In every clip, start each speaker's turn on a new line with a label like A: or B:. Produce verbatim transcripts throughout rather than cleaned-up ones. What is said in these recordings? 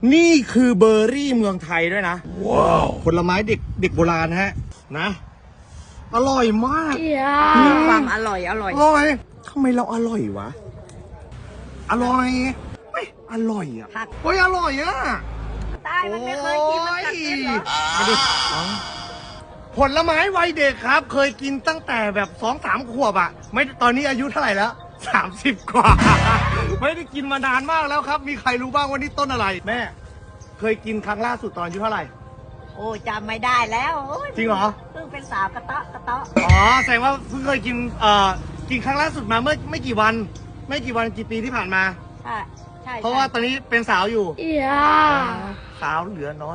A: นี่คือเบอร์รี่เมืองไทยด้วยนะว้าวผลไม้เด็กเด็กโบราณฮะนะอร่อยมาก
B: ความอร่อยอร่อย
A: อร่อยทำไมเราอร่อยวะอร่อยไม่อร่อยอ่ะเฮ้ยอร่อยอ่ะ
B: ตายมันไม่เคยกินมันกัดกินเหรอ
A: มาดูผลไม้วัยเด็กครับเคยกินตั้งแต่แบบสองสามขวบอ่ะไม่ตอนนี้อายุเท่าไหร่แล้วสามสิบกว่าไม่ได้กินมานานมากแล้วครับมีใครรู้บ้างว่านี่ต้นอะไรแม่เคยกินครั้งล่าสุดตอนอายุเท่าไหร่
B: โอ้จำไม่ได้แล้ว
A: จริงเหรอ
B: เพิ่งเป็นสาวกระเตาะกระเตาะ
A: อ๋อแสดงว่าเพิ่งเคยกินเอ่อกินครั้งล่าสุดมาเมื่อไม่กี่วันไม่กี่วันกี่ปีที่ผ่านมา
B: ใช่ใช่
A: เพราะว่าตอนนี้เป็นสาวอยู่
B: อย่า
A: สาวเหลือน้อย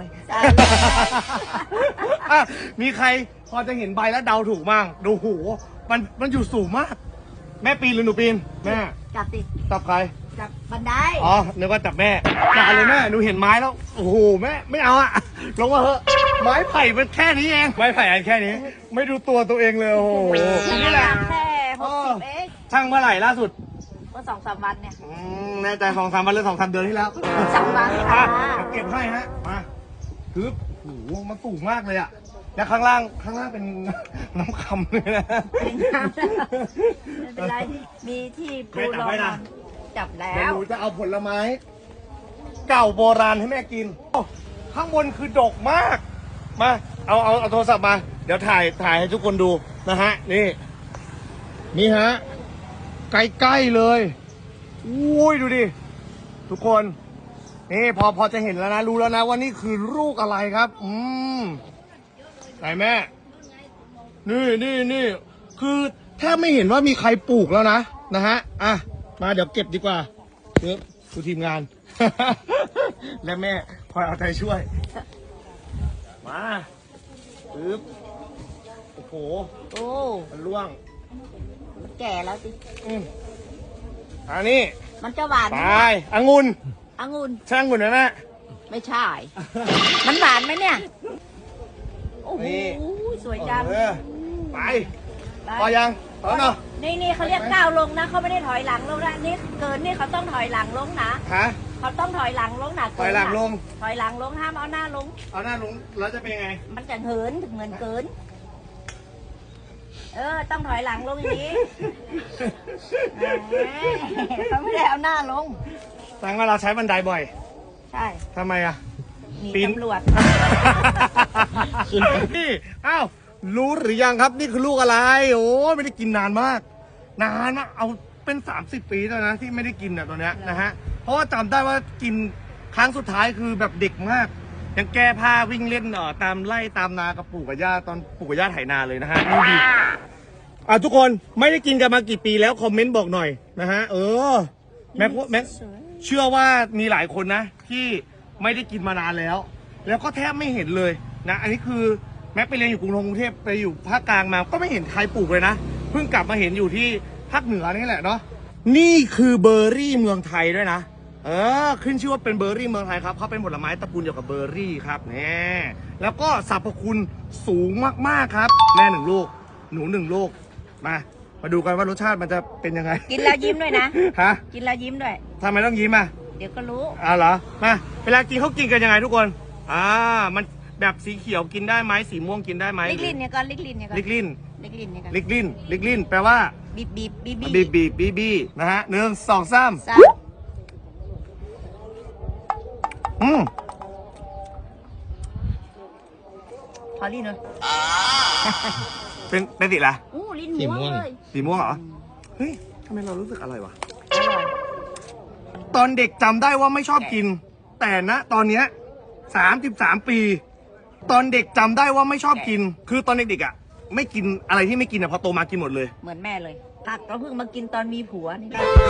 A: มีใครพอจะเห็นใบแล้วเดาถูกบ้างดูหูมันมันอยู่สูงมากแม่ปีนหรือหนูปีนแม่
B: จับติ
A: จับใคร
B: จับบันได
A: อ๋อนึกว่าจับแม่จับเลยแม่หนูเห็นไม้แล้วโอ้โหแม่ไม่เอาอะลงมาเถอะไม้ไผ่มันแค่นี้เองไม้ไผ่อันแค่นี้ไม่ดูตัวตัวเองเลยโอ้โห
B: นี่แหละแค่หกสิบเอง
A: ช่างเมื่อไหร่ล่าสุด
B: เมื่อสองสามวันเนี่ย
A: แน่ใจสองสามวันหรือสองสามเดือนที่แล้ว
B: สองวันค่ะ
A: เก็บให้ฮะมาคือโอ้โหมันสูงมากเลยอะแล้วข้างล่างข้างล่างเป็นน้ำคำเลยนะ
B: ไม่เป็นไรมีที่ปูรองจับแล้ว
A: หนูจะเอาผลไม้เก่าโบราณให้แม่กินข้างบนคือดกมากมาเอาเอาเอาโทรศัพท์มาเดี๋ยวถ่ายถ่ายให้ทุกคนดูนะฮะนี่นี่ฮะใกล้ๆเลยอุ้ยดูดิทุกคนนี่พอพอจะเห็นแล้วนะรู้แล้วนะว่านี่คือลูกอะไรครับอืมไหนแม่นี่นี่นี่คือแทบไม่เห็นว่ามีใครปลูกแล้วนะนะฮะอ่ะมาเดี๋ยวเก็บดีกว่าเดี๋ยวดูทีมงาน และแม่คอยเอาใจช่วยมาปึ๊บโอ้โห
B: โอ้
A: มันร่วง
B: มันแก่แล้วสิ
A: อืมอันนี้
B: มันจะหวาน
A: ไปองุ่น
B: องุ่น
A: ช่างองุ่นไหมแม่
B: ไม่ใช่มันหวานไหมเนี่ยโอ้โหสวยจัง
A: ไปพอยังพอเนาะ
B: นี่นี่เขาเรียกก้าวลงนะเขาไม่ได้ถอยหลังลงนะนี่เกินนี่เขาต้องถอยหลังลงนะ
A: ฮะ
B: เขาต้องถอยหลังลงนะ
A: ถอยหลังลง
B: ถอยหลังลงห้ามเอาหน้าลง
A: เอาหน้าลงแล้วจะเป็นยังไง
B: มันจะเหินเหมือนเกินเออต้องถอยหลังลงอย่างนี้เขาไม่ได้เอาหน้าลง
A: แสดงว่าเราใช้บันไดบ่อย
B: ใช่
A: ทำไมอ่ะ
B: ปีนตำรวจ
A: นี่อ้าวรู้หรือยังครับนี่คือลูกอะไรโอ้ไม่ได้กินนานมากนานมากเอาเป็นสามสิบปีแล้วนะที่ไม่ได้กินเนี่ยตัวเนี้ยนะฮะเพราะว่าจำได้ว่ากินครั้งสุดท้ายคือแบบเด็กมากยังแก้ผ้าวิ่งเล่นเอ่อตามไล่ตามนากับปู่กับย่าตอนปู่กับย่าไถนาเลยนะฮะนี่ดีอ่ะทุกคนไม่ได้กินกันมากี่ปีแล้วคอมเมนต์บอกหน่อยนะฮะเออแม็กแม็กเชื่อว่ามีหลายคนนะที่ไม่ได้กินมานานแล้วแล้วก็แทบไม่เห็นเลยนะอันนี้คือแม็กไปเรียนอยู่กรุงเทพไปอยู่ภาคกลางมาก็ไม่เห็นใครปลูกเลยนะเพิ่งกลับมาเห็นอยู่ที่ภาคเหนือนี่แหละเนาะนี่คือเบอร์รี่เมืองไทยด้วยนะเออขึ้นชื่อว่าเป็นเบอร์รี่เมืองไทยครับเขาเป็นผลไม้ตระกูลเดียวกับเบอร์รี่ครับนี่แล้วก็สรรพคุณสูงมากๆครับแม่หนึ่งลูกหนูหนึ่งลูกมามาดูกันว่ารสชาติมันจะเป็นยังไง
B: กินแล้วยิ้มด้วยนะ
A: ฮะ
B: กินแล้วยิ้มด้วย
A: ทำไมต้องยิ้มอ่ะ
B: เดี๋ยวก็รู้
A: อ่าเหรอมาเวลากินเขากินกันยังไงทุกคนอ่ามันแบบสีเขียวกินได้ไหมสีม่วงกินได้ไหม
B: ลิกลิ้นเนี่ยก่อนลิกลิ้นเนี่ยก่อน
A: ลิกลิ้น
B: ลิกลิ้นเนี่ยก่อน
A: ลิกลิ้นลิกลิ้นแปลว่า
B: บีบบีบบีบ
A: บีบบีบบีบีนะฮะหนึ่งสองสามอืม
B: พอลิ้นเลย
A: เป็นเป็นสีอะไร
B: อู้ลิ้นม่วงเลย
A: สีม่วงเหรอเฮ้ยทำไมเรารู้สึกอร่อยวะตอนเด็กจำได้ว่าไม่ชอบกินแต่นะตอนเนี้ยสามสิบสามปีตอนเด็กจำได้ว่าไม่ชอบกินคือตอนเด็กๆอ่ะไม่กินอะไรที่ไม่กินอ่ะพอโตมากินหมดเลย
B: เหมือนแม่เลยผักเราเพิ่งมากินตอนมีผัวนี่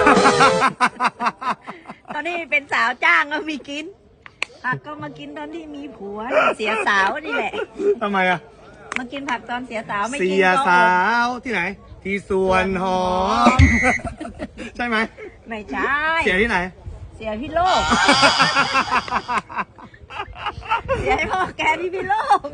B: ตอนนี้เป็นสาวจ้างก็มีกินผักก็มากินตอนที่มีผัวเสียสาวนี่แหละ
A: ทำไมอ่ะ
B: มากินผักตอนเสียสาวไม่กิน
A: เสียสาวที่ไหนที่สวนหอมใช่ไหม
B: ไม่ใช่
A: เสียที่ไหน
B: เสียพี่โลกเสียให้พ่อแกพี่พี่โลก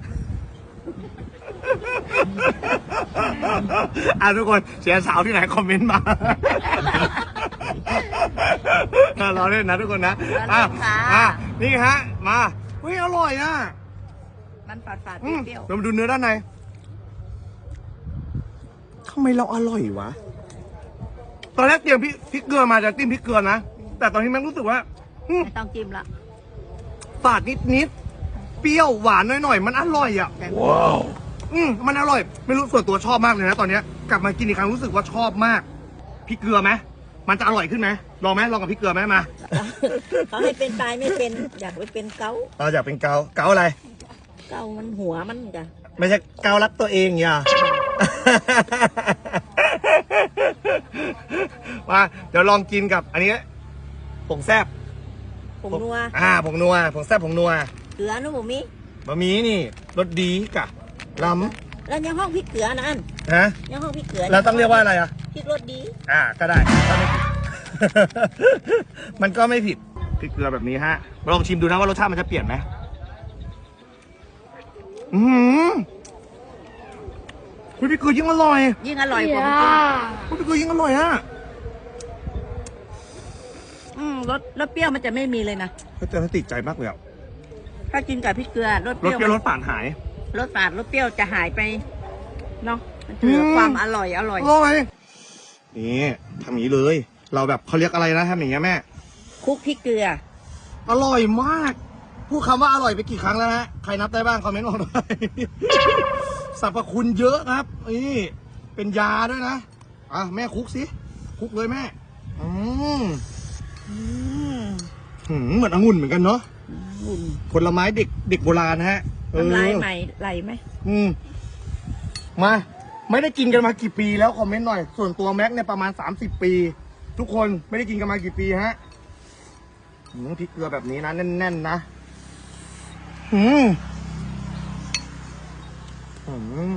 A: อ่ะทุกคนเสียสาวที่ไหนคอมเมนต์มาเราเล่นนะทุกคนนะอ่ะอ่ะนี่ฮะมาเฮ้ยอร่อยอ่ะ
B: มันฝาดฝาดๆ
A: อืม
B: เปรี้ยว
A: เรามาดูเนื้อด้านในทำไมเราอร่อยวะตอนแรกเตรียมพริกพริกเกลือมาจะจิ้มพริกเกลือนะแต่ตอนนี้แม่งรู้สึกว่าอืม
B: ๆไม่ต้องจิ้มละ
A: ฝาดนิดนิดๆเปรี้ยวหวานหน่อยๆมันอร่อยอ่ะ
B: แต่
A: ว้าวอืมมันอร่อย ไม่รู้ส่วนตัวชอบมากเลยนะตอนเนี้ยกลับมากินอีกครั้งรู้สึกว่าชอบมากพริกเกลือไหมมันจะอร่อยขึ้นไหมลองไหมลองกับพริกเกลือไหมมา
B: เขาให้เป็นตายไม่เป็น อยากไปเป็นเกา
A: เราอยากเป็นเกาเกาอะไร
B: เกามันหัวมันจ้ะ
A: ไม่ใช่เการักตัวเองอย่า มาเดี๋ยวลองกินกับอันนี้ผงแซบ
B: ผมนัว
A: อ่าผงนัวผงแซบผงนัว
B: เกลือนุ่มมี
A: บะหมี่นี่รสดีกะล้
B: แล้วยังห้องพริกเกลือนะอัน
A: ำฮะ
B: ยังห้องพริกเกลือ
A: แล้วต้องเรียกว่าอะไรอ่ะ
B: พริกรสดี
A: อ่าก็ได้ก็ไม่ผิด มันก็ไม่ผิดพริกเกลือแบบนี้ฮะลองชิมดูนะว่ารสชาติมันจะเปลี่ยนไหมอืมพริกเกลือยิ่งอร่อย
B: ยิ่งอร่อยกว่า
A: พริกเกลือยิ่งอร่อยฮะ
B: อืมรสรสเปรี้ยวมันจะไม่มีเลยนะ
A: แต่ถ้าติดใจมากเลยอ่ะ
B: ถ้ากินกับพริกเกลือรสเป
A: รส
B: รี้ยว
A: เปรี้ยวร
B: มัน
A: สฝาดหาย
B: รสฝาดรสเปรี้ยวจะหายไปเนาะมันจะเหลือ
A: อืม
B: ความอร่อยอร่อย
A: อร่อยนี่ทำอย่างนี้เลย เราแบบเขาเรียกอะไรนะทำอย่างเงี้ยแม่
B: คลุกพริกเกลือ
A: อร่อยมาก พูดคำว่าอร่อยไปกี่ครั้งแล้วฮะ ใครนับได้บ้างคอมเมนต์บอกหน่อย สรรพคุณเยอะครับ นี่เป็นยาด้วยนะ อ่ะแม่คลุกสิคลุกเลยแม่ อืม
B: อืม
A: หืมเหมือนองุ่นเหมือนกันเนาะ
B: อุ่น
A: ผลไม้เด็กเด็กโบราณนะฮะเออ
B: น้ำลายใหม่ไหลไหม
A: อืมมา ไม่ได้กินกันมากี่ปีแล้วคอมเมนต์หน่อย ส่วนตัวแม็กเนี่ยประมาณสามสิบปี ทุกคนไม่ได้กินกันมากี่ปีฮะหืมพริกเกลือแบบนี้นะแน่นๆนะหืมหืม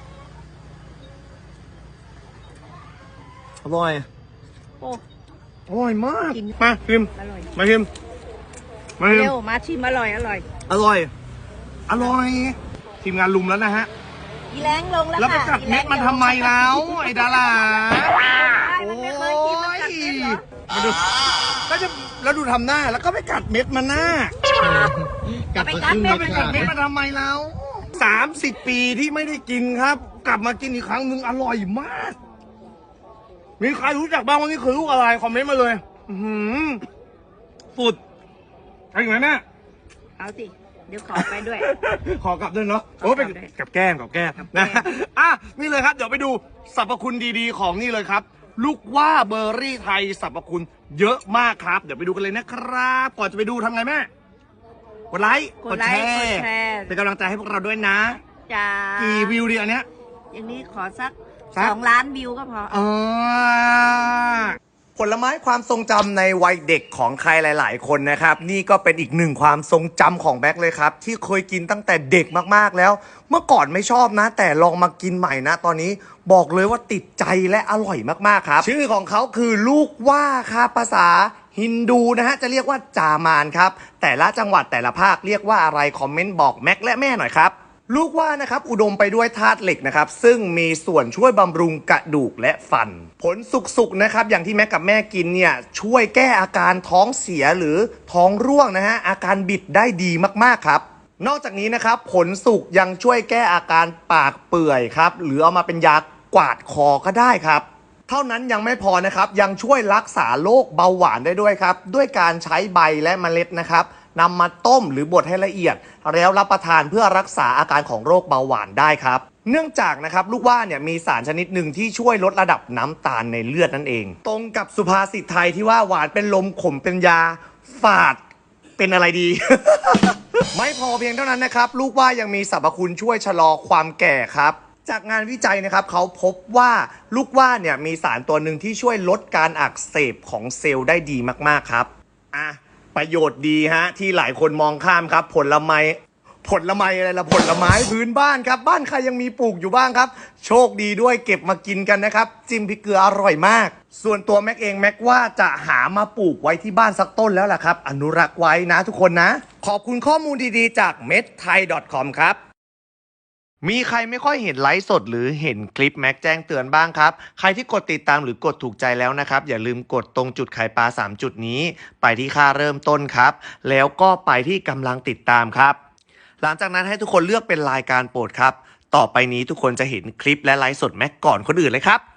A: อร่อย
B: โอ้
A: อร่อยมาก
B: กิน
A: มาชิม
B: อร่อย
A: มาชิมมาชิม
B: เร็วมาชิมอร่อยอร่อย
A: อร่อย อร่อยทีมงานลุมแล้วนะฮะ
B: อีแรงลงแล้ว
A: แล้วไป
B: ค่ะ
A: กัดเม็ดมันทำไมแล้วไอ้ดารา
B: มันไม่เคยกินมันกัดเม็ดเหรอ
A: มาดูก็จะแล้วดูทำหน้าแล้วก็ไปกัดเม็ดมันหน้า
B: กัดไปกัดเม็ด
A: ไปกัดเม็ดมันทำไมแล้วสามสิบปีที่ไม่ได้กินครับ กลับมากินอีกครั้งหนึ่งอร่อยมาก มีใครรู้จักบ้างว่านี่คือลูกอะไรคอมเมนต์มาเลย อือหือสุดใช่ไหมแม่
B: เอาสิเดี๋ยวขอไปด้วย
A: ขอกลับด้วยเนาะโอ้เป็น
B: กลับด้วย
A: กับแก้มกับแก้ม
B: กับแก้
A: นะ
B: ม
A: อ่ะนี่เลยครับ เดี๋ยวไปดูสรรพคุณดีๆของนี่เลยครับ ลูกว่าเบอร์รี่ไทยสรรพคุณเยอะมากครับ เดี๋ยวไปดูกันเลยนะครับ ก่อนจะไปดูทำไงแม่กดไลค์
B: กดไลค์กดแชร์
A: เป็นกำลังใจให้พวกเราด้วยนะ
B: จ้า
A: กี่วิวดีอันเนี้ย
B: อย่างนี้ขอสัก
A: สัก
B: สองล้านวิวก็พอ
A: อ่าผลไม้ความทรงจำในวัยเด็กของใครหลาย ๆ คนนะครับ นี่ก็เป็นอีกหนึ่งความทรงจำของแบ็คเลยครับ ที่เคยกินตั้งแต่เด็กมากๆแล้ว เมื่อก่อนไม่ชอบนะ แต่ลองมากินใหม่นะ ตอนนี้บอกเลยว่าติดใจและอร่อยมากๆครับ ชื่อของเขาคือลูกว่าครับภาษาฮินดูนะฮะจะเรียกว่าจามานครับแต่ละจังหวัดแต่ละภาคเรียกว่าอะไรคอมเมนต์บอกแม็กและแม่หน่อยครับ ลูกว่านะครับอุดมไปด้วยธาตุเหล็กนะครับซึ่งมีส่วนช่วยบำรุงกระดูกและฟัน ผลสุกๆนะครับอย่างที่แม่กับแม่กินเนี่ยช่วยแก้อาการท้องเสียหรือท้องร่วงนะฮะอาการบิดได้ดีมากๆครับนอกจากนี้นะครับผลสุกยังช่วยแก้อาการปากเปื่อยครับหรือเอามาเป็นยากวาดคอก็ได้ครับเท่านั้นยังไม่พอนะครับยังช่วยรักษาโรคเบาหวานได้ด้วยครับด้วยการใช้ใบและเมล็ดนะครับนำมาต้มหรือบดให้ละเอียดแล้วรับประทานเพื่อรักษาอาการของโรคเบาหวานได้ครับเนื่องจากนะครับลูกว่าเนี่ยมีสารชนิดหนึ่งที่ช่วยลดระดับน้ำตาลในเลือดนั่นเองตรงกับสุภาษิตไทยที่ว่าหวานเป็นลมขมเป็นยาฝาดเป็นอะไรดี ไม่พอเพียงเท่านั้นนะครับลูกว่ายังมีสรรพคุณช่วยชะลอความแก่ครับจากงานวิจัยนะครับเขาพบว่าลูกว่าเนี่ยมีสารตัวหนึ่งที่ช่วยลดการอักเสบของเซลล์ได้ดีมากๆครับอ่ะประโยชน์ดีฮะที่หลายคนมองข้ามครับผลไม้ผลไม้อะไรละผลไม้พื้นบ้านครับบ้านใครยังมีปลูกอยู่บ้างครับโชคดีด้วยเก็บมากินกันนะครับจิ้มพริกเกลืออร่อยมากส่วนตัวแม็กเองแม็กว่าจะหามาปลูกไว้ที่บ้านสักต้นแล้วล่ะครับอนุรักษ์ไว้นะทุกคนนะขอบคุณข้อมูลดีๆจาก เม็ดไทย ดอท คอม ครับ
C: มีใครไม่ค่อยเห็นไลฟ์สดหรือเห็นคลิปแม็กแจ้งเตือนบ้างครับใครที่กดติดตามหรือกดถูกใจแล้วนะครับอย่าลืมกดตรงจุดไข่ปลาสามจุดนี้ไปที่ค่าเริ่มต้นครับแล้วก็ไปที่กำลังติดตามครับหลังจากนั้นให้ทุกคนเลือกเป็นรายการโปรดครับต่อไปนี้ทุกคนจะเห็นคลิปและไลฟ์สดแม็กก่อนคนอื่นเลยครับ